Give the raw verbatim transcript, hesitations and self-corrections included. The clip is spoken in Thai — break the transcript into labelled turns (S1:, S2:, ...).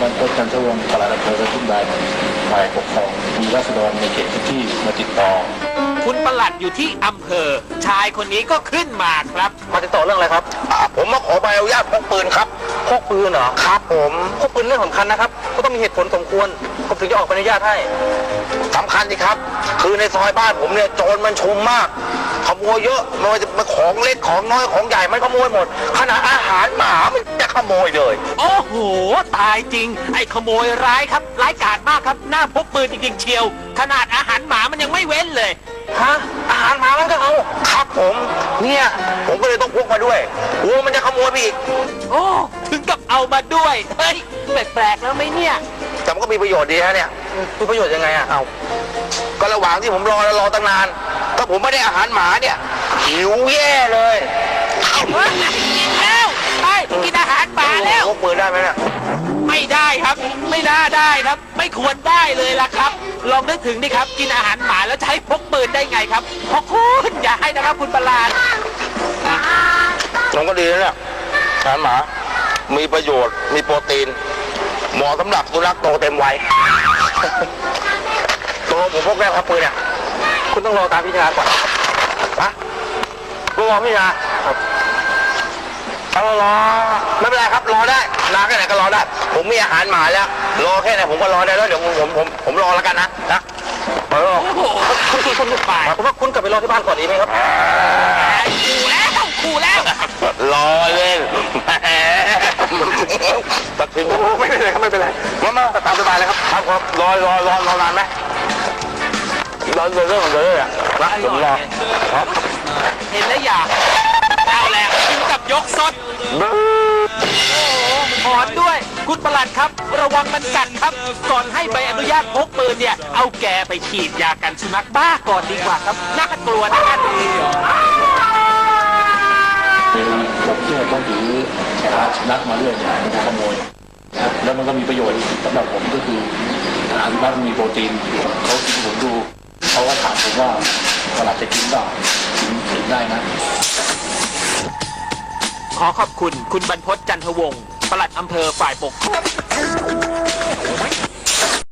S1: บรรพตจันทวงศ์ปลัดอำเภอกระทุ่มแบนฝ่ายปกครองมีราษฎรในเขตพื้นที่มาติดต่อ
S2: คุณปลัดอยู่ที่อำเภอชายคนนี้ก็ขึ้นมาครับ
S3: มาติดต่อเรื่องอะไรครับผมมาขอใบอนุญาตพกปืนครับพกปืนเหรอครับผมพกปืนเรื่องสำคัญนะครับก็ต้องมีเหตุผลสมควรผมถึงจะออกใบอนุญาตให้สำคัญสิครับคือในซอยบ้านผมเนี่ยโจรมันชุมมากขโมยเยอะไม่ว่าจะเป็นของเล็กของน้อยของใหญ่มันขโมยหมดขนาดอาหารหมามันจะขโมยเลย
S2: โอ้โหตายจริงไอ้ขโมยร้ายครับร้ายกาจมากครับหน้าพกปืนจริงๆเชียวขนาดอาหารหมามันยังไม่เว้นเลย
S3: ฮะอาหารหมามันก็เอาครับผมเนี่ยผมก็เลยต้องพกมาด้วยกลัวมันจะขโมยไปอีก
S2: โอ้ถึงกับเอามาด้วยเฮ้ยแปลกๆแล้วไหมเนี่ย
S3: แต่มันก็มีประโยชน์ดีฮะเนี่ยมีประโยชน์ยังไงอะเอาก็ระหว่างที่ผมรอแล้วรอตั้งนานถ้าผมไม่ได้อาหารหมาเนี่ยหิวแย่เลย
S2: กินแล้วไปกินอาหารหมาแล้ว
S3: พกปืนได้ไหมเนี่ย
S2: ไม่ได้ครับไม่น่าได้ครับไม่ควรได้เลยล่ะครับลองนึกถึงดิครับกินอาหารหมาแล้วจะให้พกปืนได้ไงครับพกคุณอย่าให้นะครับคุณประหลาด
S3: มันก็ดีนะเนี่ยอาหารหมามีประโยชน์มีโปรตีนเหมาะสำหรับสุนัขโตเต็มวัยตัวผมพกได้ครับปืนเนี่ยคุณต้องรอตามพิจารณาก่อนนะรอพิจารณาครับเอารอไม่เป็นไรครับรอได้นานแค่ไหนก็รอได้ผมมีอาหารหมาแล้วรอแค่ไหนผมก็รอได้แล้วเดี๋ยวผมผมผมผมรอแล้วกันนะนะ
S2: โอ้โหคุณคุณคุณไป
S3: ผมว่าคุณกลับไปรอที่บ้านก่อนดีไหมครับ
S2: ขู่แล้วขู่แล้ว
S3: รอเล่นตัดสินไม่เป็นไรครับไม่เป็นไรมามาตามสบายเลยครับครับครับรอรอรอรอนานไหมรอเรื่องของเลยอ่ะนะผมรอครับ
S2: เห็นแล้วอยากเอาแล้วกินกับยกสดโอ้หอนด้วยคุณประหลัดครับระวังมันกัดครับก่อนให้ใบอนุญาตพกปืนเนี่ยเอาแกไปฉีดยากันสุนัขบ้าก่อนดีกว่าครับน่ากลัวนะท่าน
S1: ผมเนี่ยต้องถือสุนัขมาเรื่อยเนี่ยมันขโมยแล้วมันก็มีประโยชน์สำหรับผมก็คืออาหารบ้านมีโปรตีนเขากินผมดูเขาก็ถามผมว่าปลัดจะกินเปล่ากินกินได้นะ
S2: ขอขอบคุณคุณบรรพตจันทวงศ์ปลัดอำเภอฝ่ายปกครอง